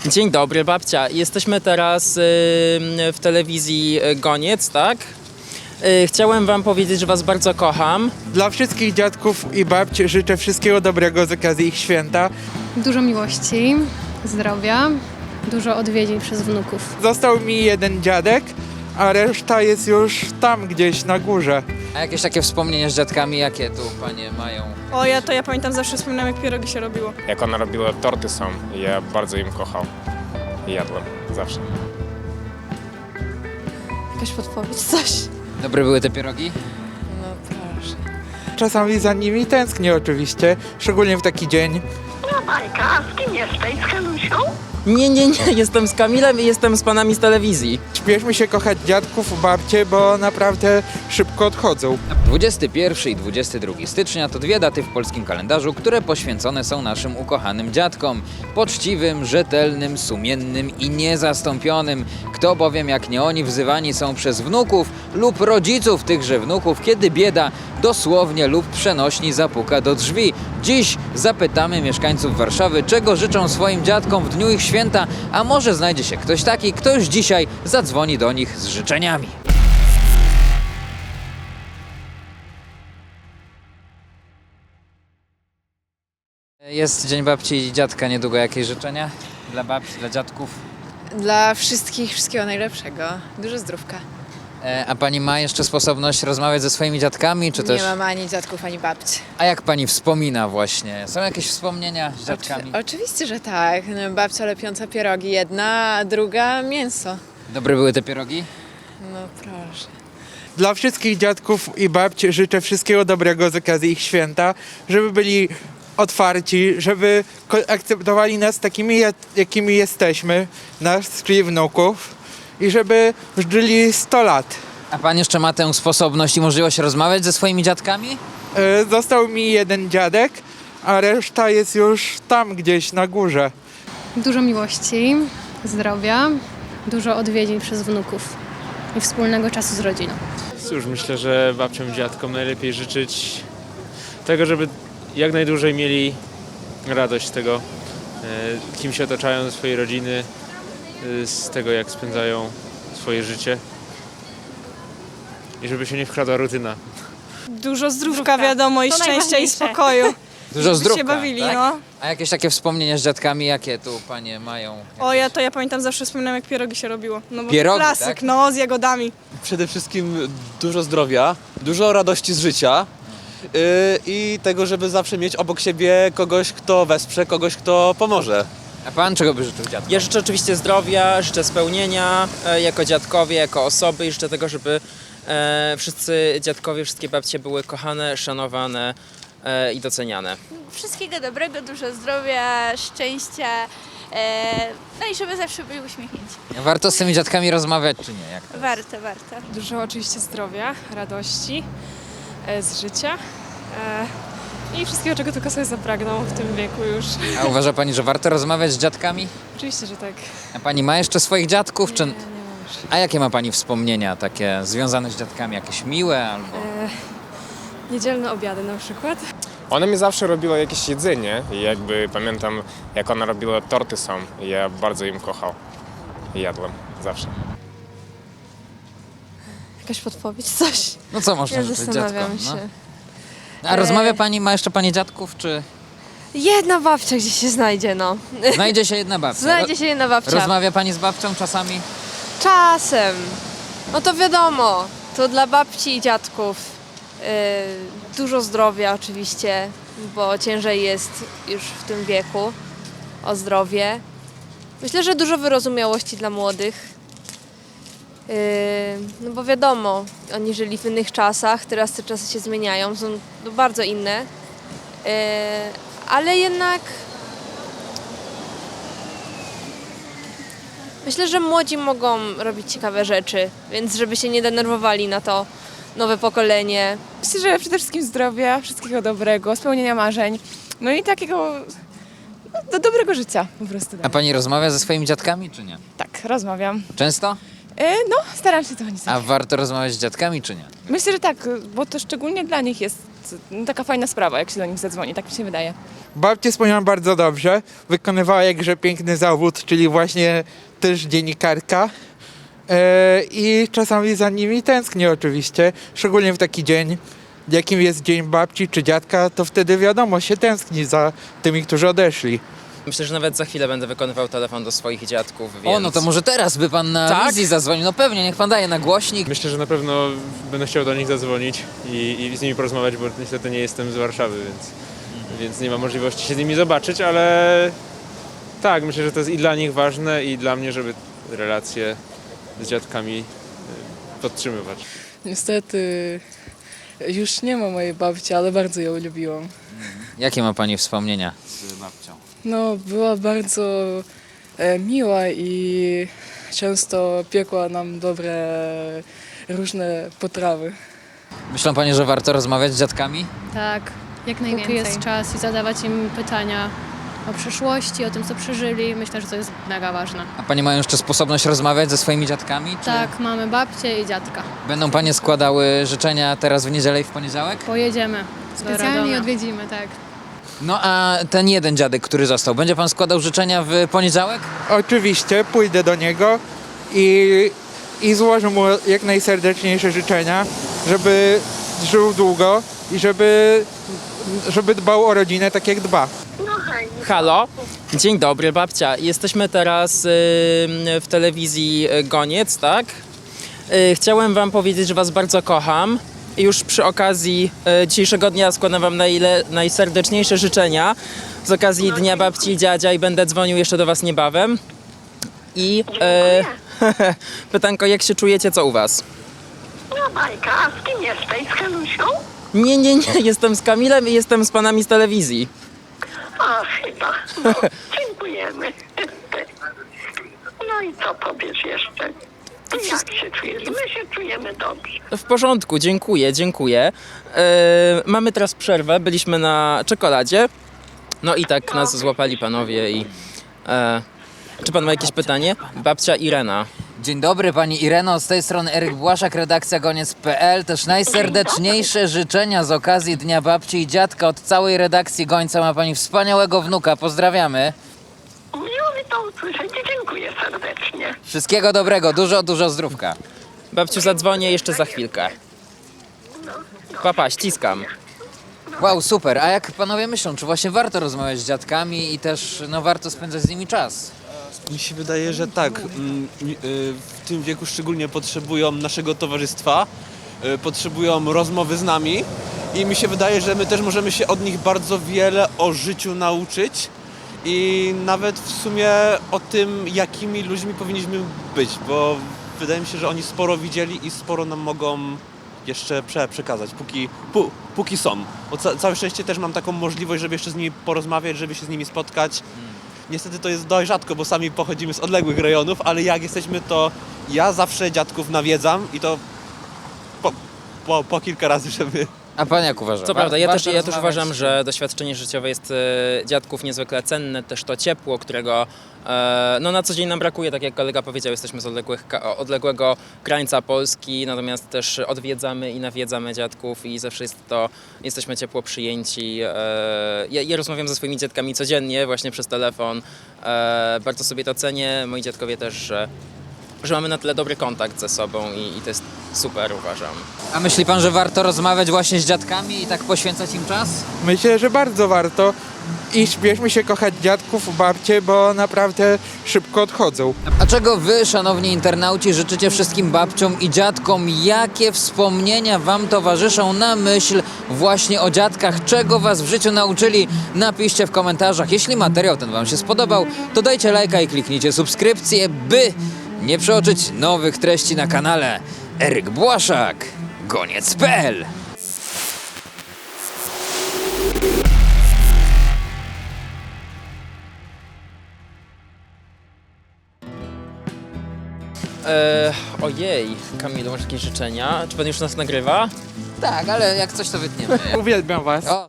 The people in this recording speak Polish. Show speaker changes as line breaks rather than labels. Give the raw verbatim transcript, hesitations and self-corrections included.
Dzień dobry, babcia. Jesteśmy teraz y, w telewizji Goniec, tak? Y, chciałem wam powiedzieć, że was bardzo kocham.
Dla wszystkich dziadków i babci życzę wszystkiego dobrego z okazji ich święta.
Dużo miłości, zdrowia, dużo odwiedzin przez wnuków.
Został mi jeden dziadek, a reszta jest już tam gdzieś na górze.
A jakieś takie wspomnienia z dziadkami, jakie tu panie mają?
O, ja to ja pamiętam, zawsze wspominam, jak pierogi się robiło.
Jak ona robiła torty są, ja bardzo im kochał i jadłem zawsze.
Jakaś podpowiedź, coś?
Dobre były te pierogi?
No proszę.
Czasami za nimi tęsknię oczywiście, szczególnie w taki dzień.
Majka, a z kim jesteś? Z Helusią?
Nie, nie, nie, jestem z Kamilem i jestem z panami z telewizji.
Śpieszmy się kochać dziadków, babcie, bo naprawdę szybko odchodzą.
dwudziestego pierwszego i dwudziestego drugiego stycznia to dwie daty w polskim kalendarzu, które poświęcone są naszym ukochanym dziadkom. Poczciwym, rzetelnym, sumiennym i niezastąpionym. Kto bowiem jak nie oni wzywani są przez wnuków lub rodziców tychże wnuków, kiedy bieda dosłownie lub przenośni zapuka do drzwi. Dziś zapytamy mieszkańców Warszawy, czego życzą swoim dziadkom w dniu ich święta, a może znajdzie się ktoś taki, kto już dzisiaj zadzwoni do nich z życzeniami. Jest Dzień Babci i Dziadka, niedługo jakieś życzenia dla babci, dla dziadków?
Dla wszystkich wszystkiego najlepszego. Dużo zdrówka.
E, a pani ma jeszcze sposobność rozmawiać ze swoimi dziadkami, czy też...
Nie mam ani dziadków, ani babci.
A jak pani wspomina właśnie? Są jakieś wspomnienia z dziadkami?
Oczy- oczywiście, że tak. No, babcia lepiąca pierogi jedna, a druga mięso.
Dobre były te pierogi?
No proszę.
Dla wszystkich dziadków i babci życzę wszystkiego dobrego z okazji ich święta, żeby byli otwarci, żeby ko- akceptowali nas takimi, jak- jakimi jesteśmy, nas, czyli wnuków, i żeby żyli sto lat.
A pan jeszcze ma tę sposobność i możliwość rozmawiać ze swoimi dziadkami?
E, Został mi jeden dziadek, a reszta jest już tam gdzieś na górze.
Dużo miłości, zdrowia, dużo odwiedzin przez wnuków i wspólnego czasu z rodziną.
Cóż, myślę, że babciom i dziadkom najlepiej życzyć tego, żeby jak najdłużej mieli radość z tego, e, kim się otaczają, ze swojej rodziny, e, z tego, jak spędzają swoje życie i żeby się nie wkradła rutyna.
Dużo zdrówka, wiadomo, i
To
szczęścia, i
najważniejsze.
spokoju.
Dużo
Żeby
zdrówka,
się bawili,
tak?
no.
A jakieś takie wspomnienia z dziadkami, jakie tu panie mają?
O, ja to ja pamiętam, zawsze wspominam, jak pierogi się robiło. No bo
Pierogi,
klasyk,
tak?
no, z jagodami.
Przede wszystkim dużo zdrowia, dużo radości z życia yy, i tego, żeby zawsze mieć obok siebie kogoś, kto wesprze, kogoś, kto pomoże.
A pan czego by życzył dziadkom?
Ja życzę oczywiście zdrowia, życzę spełnienia e, jako dziadkowie, jako osoby i życzę tego, żeby e, wszyscy dziadkowie, wszystkie babcie były kochane, szanowane e, i doceniane.
Wszystkiego dobrego, dużo zdrowia, szczęścia, e, no i żeby zawsze byli uśmiechnięci.
Warto z tymi dziadkami rozmawiać, czy nie? Jak to?
Warto, warto.
Dużo oczywiście zdrowia, radości e, z życia e, i wszystkiego, czego tylko sobie zapragną w tym wieku już.
A uważa pani, że warto rozmawiać z dziadkami?
Oczywiście, że tak.
A pani ma jeszcze swoich dziadków? Czy...
Nie, nie mam już.
A jakie ma pani wspomnienia takie związane z dziadkami? Jakieś miłe albo...
E, niedzielne obiady na przykład.
Ona mi zawsze robiła jakieś jedzenie i jakby pamiętam, jak ona robiła torty są, ja bardzo im kochał i jadłem zawsze.
Jakaś podpowiedź, coś?
No co można
Ja
życzyć
zastanawiam
dziadkom?
się.
No? A rozmawia pani, ma jeszcze pani dziadków, czy
Jedna babcia gdzieś się znajdzie, no.
znajdzie się jedna babcia?
Znajdzie się jedna babcia.
Rozmawia pani z babcią czasami?
Czasem. No to wiadomo, to dla babci i dziadków. Yy, dużo zdrowia oczywiście, bo ciężej jest już w tym wieku o zdrowie. Myślę, że dużo wyrozumiałości dla młodych. Yy, no bo wiadomo, oni żyli w innych czasach, teraz te czasy się zmieniają, są no, bardzo inne. Yy, ale jednak myślę, że młodzi mogą robić ciekawe rzeczy, więc żeby się nie denerwowali na to nowe pokolenie.
Myślę, że przede wszystkim zdrowia, wszystkiego dobrego, spełnienia marzeń, no i takiego no, do dobrego życia po prostu.
A pani rozmawia ze swoimi dziadkami, czy nie?
Tak, rozmawiam.
Często?
E, no, staram się to nie
A warto rozmawiać z dziadkami, czy nie?
Myślę, że tak, bo to szczególnie dla nich jest no, taka fajna sprawa, jak się do nich zadzwoni, tak mi się wydaje.
Babcie spełniłam bardzo dobrze. Wykonywała jakże piękny zawód, czyli właśnie też dziennikarka. E, I czasami za nimi tęsknię oczywiście, szczególnie w taki dzień, jakim jest Dzień Babci czy Dziadka, to wtedy wiadomo, się tęskni za tymi, którzy odeszli.
Myślę, że nawet za chwilę będę wykonywał telefon do swoich dziadków, więc...
O, no to może teraz by pan na
Tak?
wizji zadzwonił. No pewnie, niech pan daje na głośnik.
Myślę, że na pewno będę chciał do nich zadzwonić i, i z nimi porozmawiać, bo niestety nie jestem z Warszawy, więc, więc nie ma możliwości się z nimi zobaczyć, ale tak, myślę, że to jest i dla nich ważne, i dla mnie, żeby relacje z dziadkami y, podtrzymywać.
Niestety już nie ma mojej babci, ale bardzo ją lubiłam.
Jakie ma pani wspomnienia z babcią?
No, była bardzo e, miła i często piekła nam dobre różne potrawy.
Myślą pani, że warto rozmawiać z dziadkami?
Tak, jak najwięcej. Póki jest czas i zadawać im pytania o przeszłości, o tym, co przeżyli. Myślę, że to jest mega ważne.
A pani mają jeszcze sposobność rozmawiać ze swoimi dziadkami? Czy
Tak, mamy babcię i dziadka.
będą panie składały życzenia teraz w niedzielę i w poniedziałek?
Pojedziemy. Specjalnie odwiedzimy, tak.
No a ten jeden dziadek, który został, będzie pan składał życzenia w poniedziałek?
Oczywiście pójdę do niego i, i złożę mu jak najserdeczniejsze życzenia, żeby żył długo i żeby, żeby dbał o rodzinę tak jak dba.
Halo, dzień dobry babcia. Jesteśmy teraz y, w telewizji Goniec, tak? Y, chciałem wam powiedzieć, że was bardzo kocham. I już przy okazji y, dzisiejszego dnia składam wam najle, najserdeczniejsze życzenia z okazji Dnia Babci i Dziadzia i będę dzwonił jeszcze do was niebawem. I y, pytanko, jak się czujecie, co u was?
No bajka, a z kim jesteś? Z Helusią?
Nie, nie, nie, jestem z Kamilem i jestem z panami z telewizji.
A, chyba. No, dziękujemy. No i co powiesz jeszcze? Ty jak się czujesz? My się czujemy dobrze.
W porządku, dziękuję, dziękuję. E, mamy teraz przerwę, byliśmy na czekoladzie. No i tak nas złapali panowie i... E, czy pan ma jakieś pytanie? Babcia Irena.
Dzień dobry pani Ireno, z tej strony Eryk Błaszak, redakcja goniec kropka pe el. Też najserdeczniejsze życzenia z okazji Dnia Babci i Dziadka od całej redakcji Gońca. Ma pani wspaniałego wnuka, pozdrawiamy.
Miło mi to usłyszeć i dziękuję serdecznie.
Wszystkiego dobrego, dużo, dużo zdrówka.
Babciu, zadzwonię jeszcze za chwilkę. Papa, ściskam.
Wow, super. A jak panowie myślą, czy właśnie warto rozmawiać z dziadkami i też no, warto spędzać z nimi czas?
Mi się wydaje, że tak. Mm, y, W tym wieku szczególnie potrzebują naszego towarzystwa, y, potrzebują rozmowy z nami i mi się wydaje, że my też możemy się od nich bardzo wiele o życiu nauczyć i nawet w sumie o tym, jakimi ludźmi powinniśmy być, bo wydaje mi się, że oni sporo widzieli i sporo nam mogą jeszcze prze, przekazać, póki, pó, póki są. Bo ca, całe szczęście też mam taką możliwość, żeby jeszcze z nimi porozmawiać, żeby się z nimi spotkać. Niestety to jest dość rzadko, bo sami pochodzimy z odległych rejonów, ale jak jesteśmy, to ja zawsze dziadków nawiedzam i to po, po, po kilka razy, żeby...
A pan jak uważa?
Co prawda, ja
Warto
też, ja też
rozmawiać?
uważam, że doświadczenie życiowe jest e, dziadków niezwykle cenne, też to ciepło, którego e, no, na co dzień nam brakuje, tak jak kolega powiedział, jesteśmy z odległych, ka- odległego krańca Polski, natomiast też odwiedzamy i nawiedzamy dziadków i zawsze jest to, jesteśmy ciepło przyjęci. E, ja, ja rozmawiam ze swoimi dziadkami codziennie, właśnie przez telefon, e, bardzo sobie to cenię, moi dziadkowie też, że że mamy na tyle dobry kontakt ze sobą i, i to jest super, uważam.
A myśli pan, że warto rozmawiać właśnie z dziadkami i tak poświęcać im czas?
Myślę, że bardzo warto i śpieszmy się kochać dziadków, babcie, bo naprawdę szybko odchodzą.
A czego wy, szanowni internauci, życzycie wszystkim babciom i dziadkom? Jakie wspomnienia wam towarzyszą na myśl właśnie o dziadkach? Czego was w życiu nauczyli? Napiszcie w komentarzach. Jeśli materiał ten wam się spodobał, to dajcie lajka i kliknijcie subskrypcję, by nie przeoczyć nowych treści na kanale. Eryk Błaszak, goniec kropka pe el.
E, ojej, Kamilu, masz jakieś życzenia? Czy pan już nas nagrywa?
Tak, ale jak coś to wytniemy.
Uwielbiam was.
O.